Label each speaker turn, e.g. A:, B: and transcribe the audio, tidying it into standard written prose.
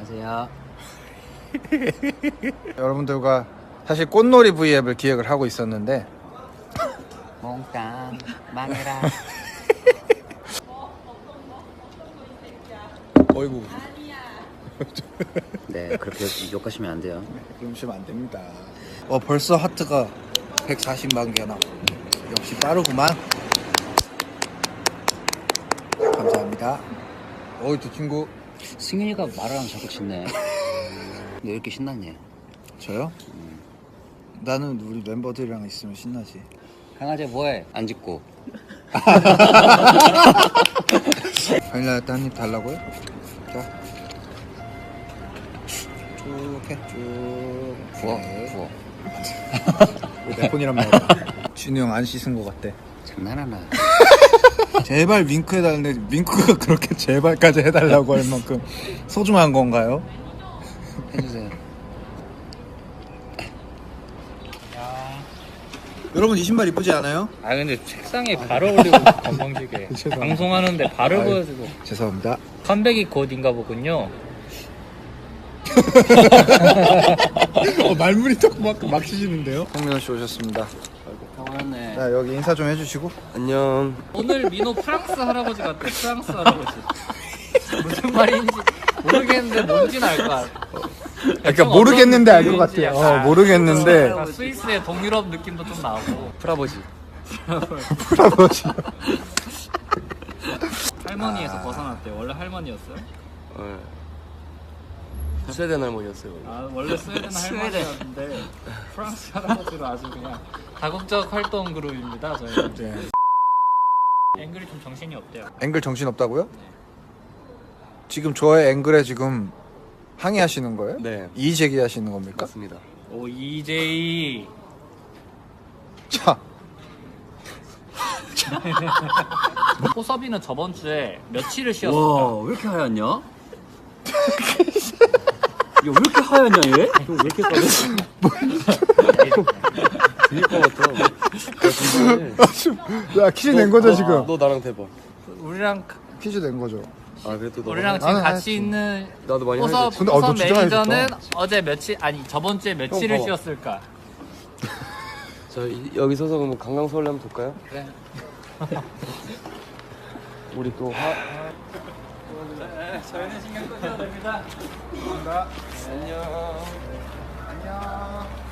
A: 안녕하세요.
B: 여러분들과 사실 꽃놀이 V앱을 기획을 하고 있었는데
A: 몽땅 망해라.
B: 어이구
A: 네, 그렇게 욕하시면 안 돼요.
B: 그러시면 안 됩니다. 벌써 하트가 140만 개나. 역시 빠르구만. 감사합니다. 저 친구
A: 승윤이가 말하면 자꾸 짖네. 왜 이렇게 신났냐?
B: 저요? 나는 우리 멤버들이랑 있으면 신나지.
A: 강아지 뭐해? 안 짖고.
B: 바닐라 라떼 한입 달라고요? 자, 쭉 해, 쭉.
A: 부어,
B: 네.
A: 부어.
B: 내 폰이란 말이야. 진우 형 안 씻은 것 같대.
A: 장난하나?
B: 제발 윙크 해달라는데 윙크가 그렇게 제발까지 해달라고 할 만큼 소중한 건가요?
A: 해주세요.
B: 여러분 이 신발 이쁘지 않아요?
C: 아 근데 책상에 발을 올리고 건방지게 방송하는데 발을 보여주고.
B: 죄송합니다.
C: 컴백이 곧인가 보군요.
B: 말문이 막 치시는데요? 홍민호 씨 오셨습니다.
A: 당황했네.
B: 자, 여기 인사 좀 해주시고.
D: 안녕.
C: 오늘 민호 프랑스 할아버지 같아. 프랑스 할아버지. 무슨 말인지 모르겠는데 뭔지는 알 것 같아.
B: 그러니까 모르겠는데 알 것 같아요. 모르겠는데.
C: 약간 스위스의 동유럽 느낌도 좀 나고.
D: 프라버지.
B: 풀아버지.
C: 할머니에서 벗어났대. 원래 할머니였어요?
D: 스웨덴 할머니였어요.
C: 아 원래 스웨덴 할머니였는데 프랑스 할아버지로 아주 그냥 다국적 활동 그룹입니다. 저희는.
B: 네.
C: 앵글이 좀 정신이 없대요.
B: 앵글 정신 없다고요? 지금 저의 앵글에 지금 항의하시는 거예요?
D: 네.
B: 이의 제기하시는 겁니까?
D: 맞습니다.
C: 오 EJ.
B: 자,
C: 호섭이는 저번 주에 며칠을 쉬었을까?
A: 와, 왜 이렇게 하얗냐? 야, 왜 이렇게 하얗냐 얘? 왜 이렇게 까졌어?
D: 들릴 것 같아.
B: 야 퀴즈 낸 거죠 지금?
D: 너 나랑 대박.
C: 우리랑
B: 퀴즈 낸 거죠.
D: 그래도 너.
C: 우리랑 지금
B: 나는
C: 같이
B: 하였지.
C: 있는
D: 나도 많이
C: 호섭
D: 하였지.
B: 근데, 너
C: 호섭
B: 진짜 많이
C: 매니저는
B: 했다.
C: 어제 며칠 아니 저번 주에 며칠을
D: 봐봐.
C: 쉬었을까?
D: 여기 서서 그럼 강강수월래 한번 볼까요?
C: 그래.
D: 우리 또
C: 네, 저희는 신경 끄셔도 됩니다. 감사합니다.
D: 안녕.
C: 안녕.